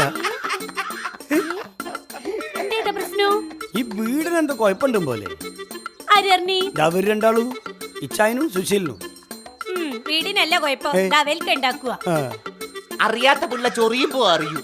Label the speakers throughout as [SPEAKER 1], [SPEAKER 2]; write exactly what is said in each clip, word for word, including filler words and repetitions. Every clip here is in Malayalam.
[SPEAKER 1] ഈ വീടിന് എന്തോ കുഴപ്പമുണ്ടും പോലെ. അവര് രണ്ടാളും ഇച്ചായനും സുശീലിനും
[SPEAKER 2] വീടിനല്ല കുഴപ്പം, ഉണ്ടാക്കുക.
[SPEAKER 3] അറിയാത്ത പിള്ള ചൊറിയുമ്പോ അറിയൂ.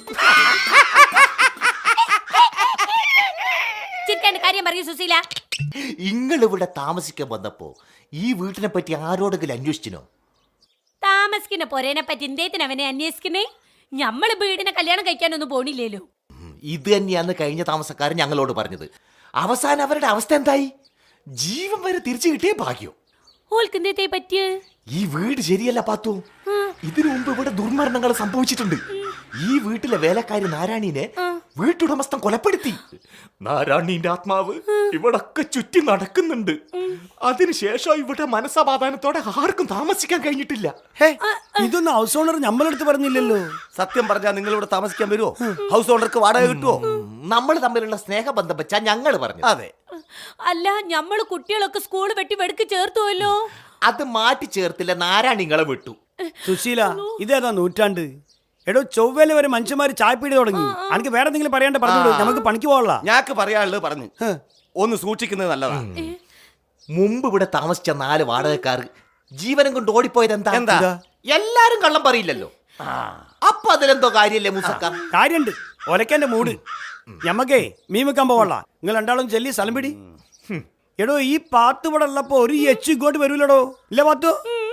[SPEAKER 2] കാര്യം പറയൂ സുശീല.
[SPEAKER 3] നിങ്ങൾ ഇവിടെ താമസിക്കാൻ വന്നപ്പോ ഈ വീട്ടിനെ പറ്റി ആരോടെങ്കിലും അന്വേഷിച്ചിനോ?
[SPEAKER 2] താമസിക്കുന്ന പൊരേനെ പറ്റി എന്തേത്തിന് അവനെ അന്വേഷിക്കുന്നേ? ഞമ്മള് വീടിനെ കല്യാണം കഴിക്കാനൊന്നും പോണില്ലല്ലോ.
[SPEAKER 3] ഇത് തന്നെയാന്ന് കഴിഞ്ഞ താമസക്കാരൻ ഞങ്ങളോട് പറഞ്ഞത്. അവസാനം അവരുടെ അവസ്ഥ എന്തായി? ജീവൻ വരെ തിരിച്ചു കിട്ടിയ ഭാഗ്യം.
[SPEAKER 2] ഓൾക്കെന്തേ പറ്റിയ?
[SPEAKER 3] ഈ വീട് ശരിയല്ല പാത്തു. ഇതിനു മുമ്പ് ഇവിടെ ദുർമരണങ്ങൾ സംഭവിച്ചിട്ടുണ്ട്. ഈ വീട്ടിലെ വേലക്കാരി നാരായണീനെ വീട്ടുടമസ്ഥൻ കൊലപ്പെടുത്തി. നാരായണീന്റെ ആത്മാവ് ഇവിടൊക്കെ ചുറ്റി നടക്കുന്നുണ്ട്. അതിനുശേഷം ഇവിടെ മനസ്സമാധാനത്തോടെ ആർക്കും താമസിക്കാൻ കഴിഞ്ഞിട്ടില്ല.
[SPEAKER 1] ഇതൊന്നും ഹൗസ് ഓണർ നമ്മളെടുത്ത് പറഞ്ഞില്ലല്ലോ.
[SPEAKER 4] സത്യം പറഞ്ഞാൽ നിങ്ങൾ ഇവിടെ താമസിക്കാൻ വരുമോ? ഹൗസ് ഓണർക്ക് വാടക കിട്ടുമോ?
[SPEAKER 3] നമ്മൾ തമ്മിലുള്ള സ്നേഹബന്ധം വെച്ചാ ഞങ്ങൾ പറഞ്ഞു.
[SPEAKER 4] അതെ.
[SPEAKER 2] അല്ല, ഞമ്മള് കുട്ടികളൊക്കെ സ്കൂൾ വെട്ടി വെടുക്ക് ചേർത്തുവല്ലോ.
[SPEAKER 3] അത് മാറ്റി ചേർത്തില്ല, നാരായണിങ്ങളെ വിട്ടു.
[SPEAKER 1] സുശീല, ഇതേതാ നൂറ്റാണ്ട്? എടോ, ചൊവ്വേല വരെ മനുഷ്യന്മാര് ചായപ്പീടി തുടങ്ങി. എനിക്ക് വേറെ എന്തെങ്കിലും പറയാണ്ട് പറഞ്ഞു, നമുക്ക് പണിക്ക് പോകാനുള്ള.
[SPEAKER 4] ഞാക്ക് പറയാനുള്ളത് പറഞ്ഞു. ഒന്ന് സൂക്ഷിക്കുന്നത് നല്ലതാണ്.
[SPEAKER 3] മുമ്പ് ഇവിടെ താമസിച്ച നാല് വാടകക്കാർ ജീവനം കൊണ്ട് ഓടിപ്പോയത് എന്താ? എന്താ എല്ലാരും കള്ളം പറയില്ലല്ലോ. അപ്പൊ അതിലെന്തോ കാര്യല്ലേ മൂസക്ക?
[SPEAKER 1] കാര്യണ്ട്. ഒലക്കന്റെ മൂട്. ഞമ്മക്കേ മീൻ വെക്കാൻ പോവാള. നിങ്ങൾ രണ്ടാളും ചെല്ലി സ്ഥലം പിടി. എടോ, ഈ പാത്ത് ഇവിടെ ഉള്ളപ്പോ ഒരു എച്ച് ഇങ്ങോട്ട് വരൂലടോ. ഇല്ല പാത്തു?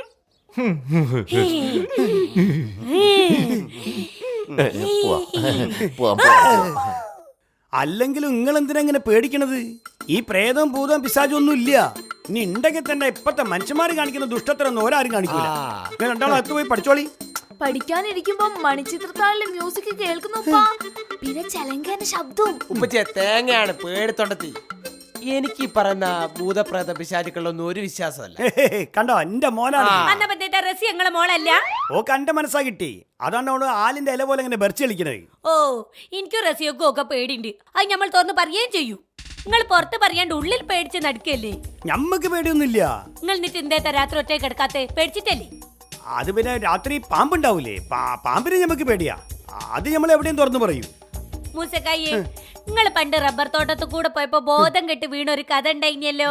[SPEAKER 1] അല്ലെങ്കിലും നിങ്ങൾ എന്തിനാ ഇങ്ങനെ പേടിക്കണത്? ഈ പ്രേതം ഭൂതം പിശാചും ഒന്നും ഇല്ല. ഇനി ഉണ്ടെങ്കിൽ തന്നെ ഇപ്പത്തെ മനുഷ്യന്മാര് കാണിക്കുന്ന ദുഷ്ടത്തരൊന്നും ഒരാരും കാണിക്കൂല. നിങ്ങൾ രണ്ടാളും അകത്ത് പോയി പഠിച്ചോളി.
[SPEAKER 5] പഠിക്കാനിരിക്കുമ്പോ മണിച്ചിത്രത്താഴിലെ മ്യൂസിക് കേൾക്കുന്നു. പിന്നെ ചലങ്കേന്റെ ശബ്ദവും.
[SPEAKER 6] ഉപ്പച്ചേ, തേങ്ങയാണ് പേടിത്തൊണ്ടത്തി. എനിക്ക് ഈ പറയുന്ന ഭൂതപ്രേത പിശാചുക്കളൊന്നും ഒരു വിശ്വാസമല്ല.
[SPEAKER 1] കണ്ടോ, എന്റെ മോനാണ്.
[SPEAKER 2] മോളല്ല.
[SPEAKER 1] ഓ, കണ്ട മനസ്സാ കിട്ടി. അതാണ് അവള് ആലിന്റെ ഇല പോലെ ഇങ്ങനെ ബെർച്ച് കളിക്കണേ.
[SPEAKER 2] ഓ, എനിക്കും റസിയൊക്കെ ഒക്കെ പേടിണ്ട്. അത് നമ്മൾ തുറന്ന് പറയുകയും ചെയ്യൂ. നിങ്ങൾ പുറത്ത് പറയാണ്ട് ഉള്ളിൽ പേടിച്ച് നടക്കല്ലേ?
[SPEAKER 1] ഞമ്മക്ക് പേടിയൊന്നുമില്ല.
[SPEAKER 2] നിങ്ങൾ എന്നിട്ട് എന്തേത്ത രാത്രി ഒറ്റ കിടക്കാത്തെ? പേടിച്ചിട്ടല്ലേ?
[SPEAKER 1] അത് പിന്നെ രാത്രി പാമ്പുണ്ടാവൂലേ, പാമ്പിനെ ഞമ്മക്ക് പേടിയാ. അത് നമ്മൾ എവിടെയും തുറന്നു പറയൂ.
[SPEAKER 2] മൂസക്കായി, നിങ്ങൾ പണ്ട് റബ്ബർ തോട്ടത്ത് കൂടെ പോയപ്പോ ബോധം കെട്ട് വീണ ഒരു കഥ ഉണ്ടായില്ലോ.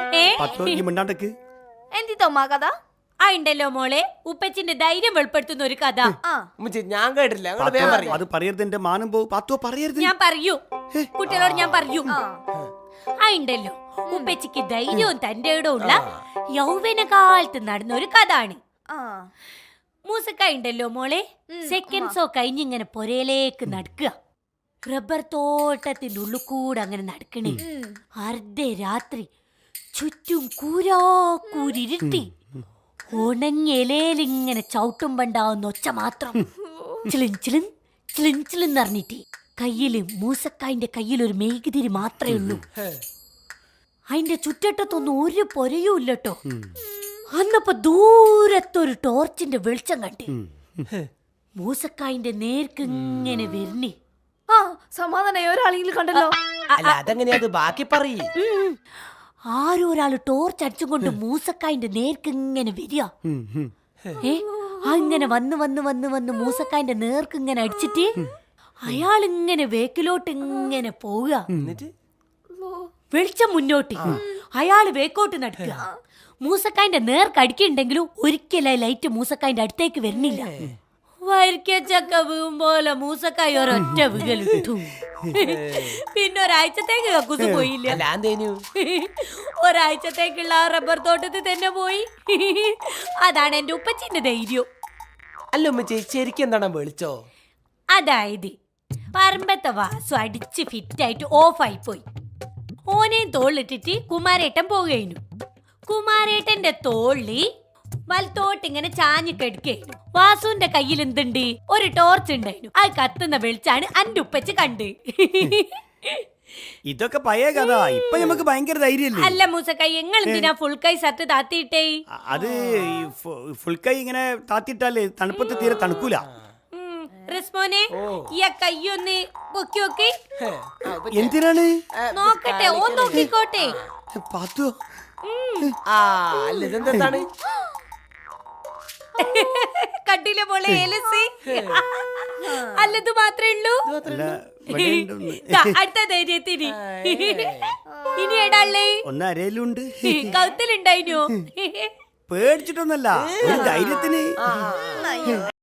[SPEAKER 5] എന്തി തോമാ കഥ?
[SPEAKER 2] ആ ഉണ്ടല്ലോ മോളെ, ഉപ്പച്ചിന്റെ ധൈര്യം വെളിപ്പെടുത്തുന്ന ഒരു കഥ.
[SPEAKER 6] ഞാൻ കേട്ടില്ല.
[SPEAKER 1] അത് പറയരുത്, എന്റെ മാനം പോകും. പാത്തോ പറയരുത്.
[SPEAKER 2] ഞാൻ പറയൂ, കുട്ടികളോട് ഞാൻ പറയൂ. ആ ഉണ്ടല്ലോ, ഉപ്പച്ചിക്ക് ധൈര്യവും തന്റെ ഇടമുള്ള യൗവന കാലത്ത് നടന്ന ഒരു കഥ ആണ്. മൂസക്ക ഉണ്ടല്ലോ മോളെ, സെക്കൻഡ്സോ കഴിഞ്ഞിങ്ങനെ പൊരയിലേക്ക് നടക്കുക. റബ്ബർ തോട്ടത്തിന്റെ ഉള്ളിൽ കൂടെ അങ്ങനെ നടക്കണേ. അർദ്ധരാത്രി ചുറ്റും കൂരാക്കൂരിരുട്ടി ഉണങ്ങിയലേലിങ്ങനെ ചവിട്ടുമ്പണ്ടാവുന്ന ഒച്ച മാത്രം. ചിളിൻ ചിളിൻ ചിളിൻ ചിളിൻ അറിഞ്ഞിട്ട് കയ്യില് മൂസക്കായിന്റെ കയ്യിൽ ഒരു മെഴുകുതിരി മാത്രമേ ഉള്ളൂ. അതിന്റെ ചുറ്റട്ടത്തൊന്നും ഒരു പൊരയും ഇല്ലട്ടോ. അന്നപ്പോ ദൂരത്തൊരു ടോർച്ചിന്റെ വെളിച്ചം കണ്ടി. മൂസക്കായിന്റെ നേർക്ക് ഇങ്ങനെ വരണേ.
[SPEAKER 5] ആ, സമാധാനായി. ഒരാളെങ്കിലും കണ്ടല്ലോ.
[SPEAKER 6] അല്ല, അതെങ്ങനെയാ? അത് ബാക്കി പറയ്.
[SPEAKER 2] ആരോ ഒരാള് ടോർച്ച് അടിച്ചും കൊണ്ട് മൂസക്കായിന്റെ നേർക്ക് ഇങ്ങനെ വരിക. ഏ അങ്ങനെ വന്ന് വന്ന് വന്ന് വന്ന് മൂസക്കായിന്റെ നേർക്ക് ഇങ്ങനെ അടിച്ചിട്ട് അയാൾ ഇങ്ങനെ വേക്കിലോട്ട് ഇങ്ങനെ പോവുക. വെളിച്ചം മുന്നോട്ട്, അയാള് വേക്കോട്ട് നടക്കുക. മൂസക്കായിന്റെ നേർക്ക് അടിക്കുന്നുണ്ടെങ്കിലും ഒരിക്കലും ലൈറ്റ് മൂസക്കായിന്റെ അടുത്തേക്ക് വരുന്നില്ല. വരിക്കച്ചക്ക വീഴുമ്പോലെ മൂസക്കായി ഒരൊറ്റ വികലിട്ടു. പിന്നെ ഒരാഴ്ചത്തേക്ക് കക്കൂസ് പോയില്ല. ഒരാഴ്ചത്തേക്കുള്ള ആ റബ്ബർ തോട്ടത്തിൽ തന്നെ പോയി. അതാണ് എന്റെ ഉപ്പച്ചിന്റെ ധൈര്യം.
[SPEAKER 6] അല്ല ഉമ്മച്ചി, ശരിക്കും എന്താണ് വിളിച്ചോ?
[SPEAKER 2] അതായത് പറമ്പത്തെ വാസു അടിച്ച് ഫിറ്റായിട്ട് ഓഫായി പോയി. ഓനെയും തോളിലിട്ടിട്ട് കുമാരേട്ടൻ പോവുകയായിരുന്നു. കുമാരേട്ടന്റെ തോളി വലത്തോട്ട് ഇങ്ങനെ ചാഞ്ഞു കെടുക്കായിരുന്നു. വാസുവിന്റെ കയ്യിൽ എന്തുണ്ട്? ഒരു ടോർച്ച് ഉണ്ടായിരുന്നു. അത് കത്തുന്ന വെളിച്ചാണ് അന്റെ ഉപ്പച്ച് കണ്ട്.
[SPEAKER 1] ഇതൊക്കെ പഴയ കഥ. ഇപ്പൊ നമുക്ക് ഭയങ്കര ധൈര്യല്ലേ?
[SPEAKER 2] അല്ല മൂസക്കൈ, എങ്ങൾ എന്തിനാ ഫുൾ കൈ ഷർട്ട് താത്തിയിട്ടേ?
[SPEAKER 1] അത് ഫുൾ കൈ ഇങ്ങനെ താത്തിയിട്ടാലേ തണുപ്പത്ത് തീരെ തണുക്കൂല.
[SPEAKER 2] റിസ്മോനെ, ഈ കയ്യൊന്ന് പൊക്കി നോക്കി.
[SPEAKER 1] എന്തിനാണ്?
[SPEAKER 2] നോക്കട്ടെ, ഓൻ നോക്കിക്കോട്ടെ.
[SPEAKER 1] പാത്തു,
[SPEAKER 6] ആ അല്ല, ഇതെന്താണ്?
[SPEAKER 2] കണ്ടില്ല മോളെ ഏലസി അല്ലത് മാത്രമേ ഉള്ളൂ
[SPEAKER 1] അല്ല ഇവിടെ ഉണ്ടൊന്ന്.
[SPEAKER 2] ദാ, അടുത്ത ധൈര്യത്തിന് ഇനി ഏടാളേ
[SPEAKER 1] ഒന്ന് അരയിലുണ്ട്.
[SPEAKER 2] കൗത്തിലുണ്ടായിനോ
[SPEAKER 1] പേടിച്ചിട്ടൊന്നല്ല, ഒരു ധൈര്യത്തിന്.